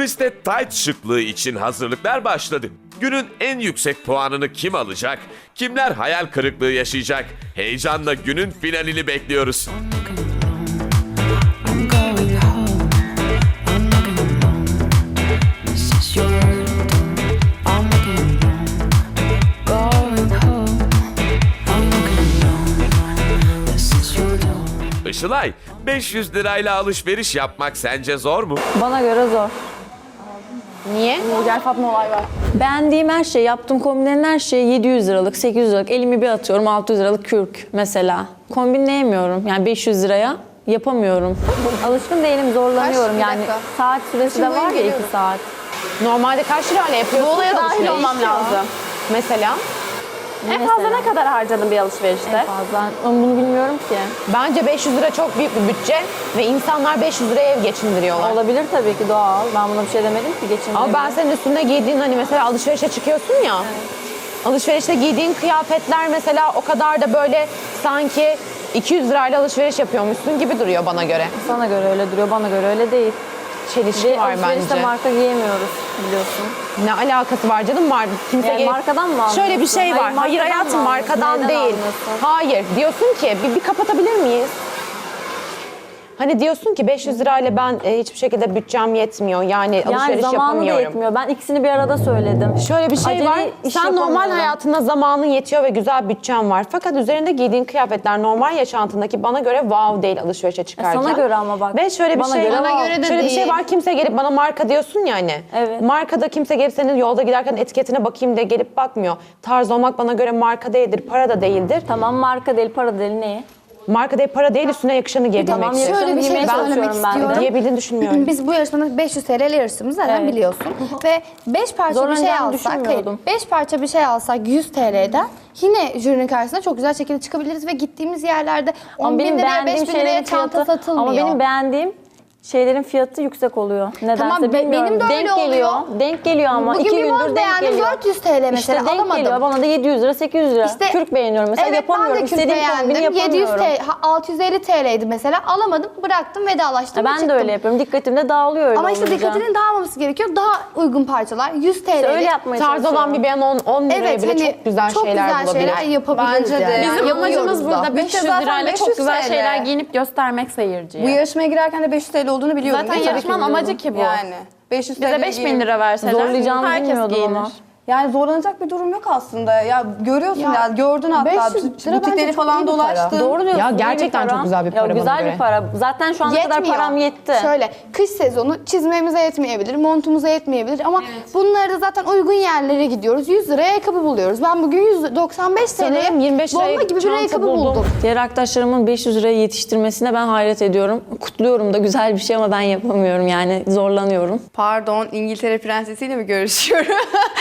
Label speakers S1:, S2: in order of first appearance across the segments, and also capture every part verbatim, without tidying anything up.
S1: Kuliste tight şıklığı için hazırlıklar başladı. Günün en yüksek puanını kim alacak? Kimler hayal kırıklığı yaşayacak? Heyecanla günün finalini bekliyoruz.
S2: I'm going home. I'm looking alone. This is your room. I'm looking alone. Going home. I'm looking alone. This is your room.
S1: Işılay, beş yüz lirayla alışveriş yapmak sence zor mu?
S3: Bana göre zor.
S4: Niye?
S3: Gel Fatma olay var. Beğendiğim her şey, yaptığım kombinlerin her şeyi yedi yüz liralık, sekiz yüz liralık. Elimi bir atıyorum altı yüz liralık kürk mesela. Kombinleyemiyorum yani beş yüz liraya yapamıyorum. Alışkın değilim, zorlanıyorum
S5: Kaç? Bir
S3: yani.
S5: dakika.
S3: Saat süresi de
S5: Şimdi
S3: var ya
S5: geliyorum.
S3: iki saat.
S4: Normalde kaç lirayla yapıyorsun?
S6: Bu olaya dahil
S4: alışveriş?
S6: olmam lazım.
S4: Mesela?
S6: En fazla ne kadar harcadın bir alışverişte?
S3: En fazla. Ama bunu bilmiyorum ki.
S4: Bence beş yüz lira çok büyük bir bütçe ve insanlar beş yüz liraya ev geçindiriyorlar.
S3: Olabilir tabii ki, doğal. Ben buna bir şey demedim ki, geçindireyim.
S4: Ama ben senin üstünde giydiğin hani mesela alışverişe çıkıyorsun ya. Alışverişte giydiğin kıyafetler mesela o kadar da böyle sanki iki yüz lirayla alışveriş yapıyormuşsun gibi duruyor bana göre.
S3: Sana göre öyle duruyor, bana göre öyle değil.
S4: Çelişki
S3: Ve
S4: var
S3: alışverişte
S4: bence.
S3: marka giyemiyoruz biliyorsun.
S4: Ne alakası var canım, var. Kimse
S3: Yani
S4: gelip-
S3: markadan mı alıyorsun?
S4: Şöyle bir şey var.
S3: Hayır,
S4: Hayır,
S3: markadan
S4: hayatım
S3: mı alıyorsun?
S4: markadan
S3: Neden
S4: değil.
S3: almıyorsun?
S4: Hayır. Diyorsun ki bir, bir kapatabilir miyiz? Hani diyorsun ki beş yüz lirayla ben e, hiçbir şekilde bütçem yetmiyor. Yani,
S3: Yani
S4: alışveriş
S3: zamanı da
S4: yapamıyorum.
S3: yetmiyor. Ben ikisini bir arada söyledim.
S4: Şöyle bir şey
S3: Acele
S4: var.
S3: iş
S4: Sen normal
S3: yapamıyorum.
S4: hayatında zamanın yetiyor ve güzel bütçen var. Fakat üzerinde giydiğin kıyafetler normal yaşantındaki bana göre wow değil alışverişe çıkarken.
S3: sana göre ama bak.
S4: Ve şöyle bir
S3: Bana
S4: şey
S3: göre
S5: Bana
S3: wow.
S5: göre de
S4: şöyle bir şey
S5: değil.
S4: var. Kimse gelip bana marka diyorsun ya hani.
S3: Evet.
S4: Markada kimse gelip senin yolda giderken etiketine bakayım diye gelip bakmıyor. Tarz olmak bana göre marka değildir, para da değildir.
S3: Tamam, marka değil, para değil, neyi?
S4: Marka değil, para değil, üstüne yakışanı giyebilmek
S3: Tamam,
S4: için.
S3: yakışanı
S5: Şöyle bir şey
S3: giymeye
S5: söylemek
S3: çalışıyorum ben de.
S5: istiyorum.
S4: Giyebildiğini düşünmüyorum.
S5: Biz bu yarışmada beş yüz T L yarıştığımızı zaten
S3: Evet.
S5: biliyorsun. Ve beş parça bir şey
S3: Zorlanacağımı
S5: alsak, hayır,
S3: düşünmüyordum.
S5: beş parça bir şey alsak yüz T L'den yine jürinin karşısında çok güzel şekilde çıkabiliriz ve gittiğimiz yerlerde on
S3: Ama
S5: bin
S3: benim
S5: liraya,
S3: beğendiğim
S5: beş bin liraya
S3: şeylerin
S5: çanta
S3: fiyatı,
S5: satılmıyor.
S3: ama benim beğendiğim şeylerin fiyatı yüksek oluyor. Nedense
S5: Tamam, be-
S3: bilmiyorum.
S5: benim de öyle
S3: denk geliyor.
S5: oluyor.
S3: Denk geliyor ama
S5: Bugün
S3: iki
S5: bir
S3: gündür
S5: mont
S3: denk
S5: beğendim,
S3: geliyor.
S5: dört yüz T L mesela,
S3: İşte denk
S5: alamadım.
S3: geliyor. Bana da yedi yüz lira, sekiz yüz lira.
S5: İşte-
S3: Kürk beğeniyorum mesela,
S5: Evet, ben
S3: yapamıyorum.
S5: de kürk
S3: İstediğim kombini
S5: beğendim. yedi yüz
S3: yapamıyorum.
S5: T L, ha, altı yüz elli T L'ydi mesela. Alamadım, bıraktım, vedalaştım ve
S3: Ben de
S5: çıktım.
S3: öyle yapıyorum. Dikkatim de dağılıyor öyle
S5: Ama işte
S3: olunca.
S5: dikkatinin dağılmaması gerekiyor. Daha uygun parçalar, yüz T L'lik.
S3: İşte öyle yapmaya
S4: Tarz
S3: çalışıyorum.
S4: olan bir beyan on liraya
S5: Evet,
S4: bile
S5: hani
S4: çok güzel şeyler
S5: güzel
S4: bulabilir.
S5: şeyler yapabiliriz.
S6: Bence de.
S5: yani.
S6: Bizim
S5: Yapıyoruz
S6: amacımız
S5: da.
S6: burada beş yüz
S7: zaten
S6: lirayla
S7: beş yüz
S6: çok güzel
S7: T L.
S6: şeyler giyinip göstermek seyirciye.
S7: Bu yarışmaya girerken de beş yüz T L olduğunu biliyordum.
S6: Zaten
S7: değil mi?
S6: yarışmanın amacı ki bu.
S7: Yani. beş yüz
S6: Bize
S7: T L
S6: beş bin
S7: giyinip-
S6: lira verseler
S3: Zorlayacağımı
S6: herkes
S3: bilmiyordum
S6: giyinir.
S3: ama.
S7: Yani zorlanacak bir durum yok aslında. Ya görüyorsun ya,
S5: Ya,
S7: gördün hatta
S5: beş yüz lira bence
S7: butikleri
S5: çok iyi
S7: falan
S5: bir para.
S7: dolaştın.
S3: Doğru diyorsun.
S4: Ya
S3: iyi bir
S4: gerçekten
S3: para.
S4: çok güzel bir
S3: Ya
S4: para bana
S3: güzel
S4: göre.
S3: bir para. Zaten şu ana kadar
S5: Yetmiyor.
S3: param yetti.
S5: Şöyle, kış sezonu çizmemize yetmeyebilir, montumuza yetmeyebilir ama bunları da zaten uygun yerlere gidiyoruz. yüz liraya ayakkabı buluyoruz. Ben bugün yüz doksan beş T L'ye
S4: Sanırım yirmi beş liraya
S5: bomba gibi bir
S4: çanta
S5: ayakkabı
S4: buldum.
S5: buldum.
S3: Diğer arkadaşlarımın beş yüz liraya yetiştirmesine ben hayret ediyorum. Kutluyorum da, güzel bir şey ama ben yapamıyorum yani, zorlanıyorum.
S7: Pardon, İngiltere prensesiyle mi görüşüyorum?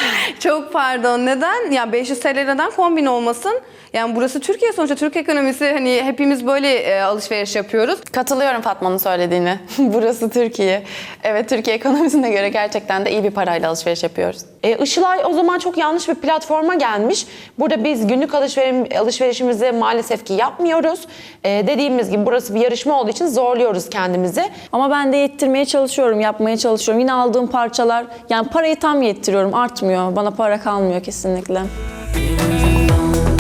S7: Çok pardon. Neden? Ya beş yüz T L neden kombin olmasın? Yani burası Türkiye sonuçta. Türk ekonomisi, hani hepimiz böyle e, alışveriş yapıyoruz.
S6: Katılıyorum Fatma'nın söylediğine. Burası Türkiye. Evet, Türkiye ekonomisine göre gerçekten de iyi bir parayla alışveriş yapıyoruz.
S4: E, Işılay o zaman çok yanlış bir platforma gelmiş. Burada biz günlük alışveriş, alışverişimizi maalesef ki yapmıyoruz. E, dediğimiz gibi burası bir yarışma olduğu için zorluyoruz kendimizi.
S3: Ama ben de yettirmeye çalışıyorum, yapmaya çalışıyorum. Yine aldığım parçalar, yani parayı tam yettiriyorum, artmıyor. Bana para kalmıyor kesinlikle.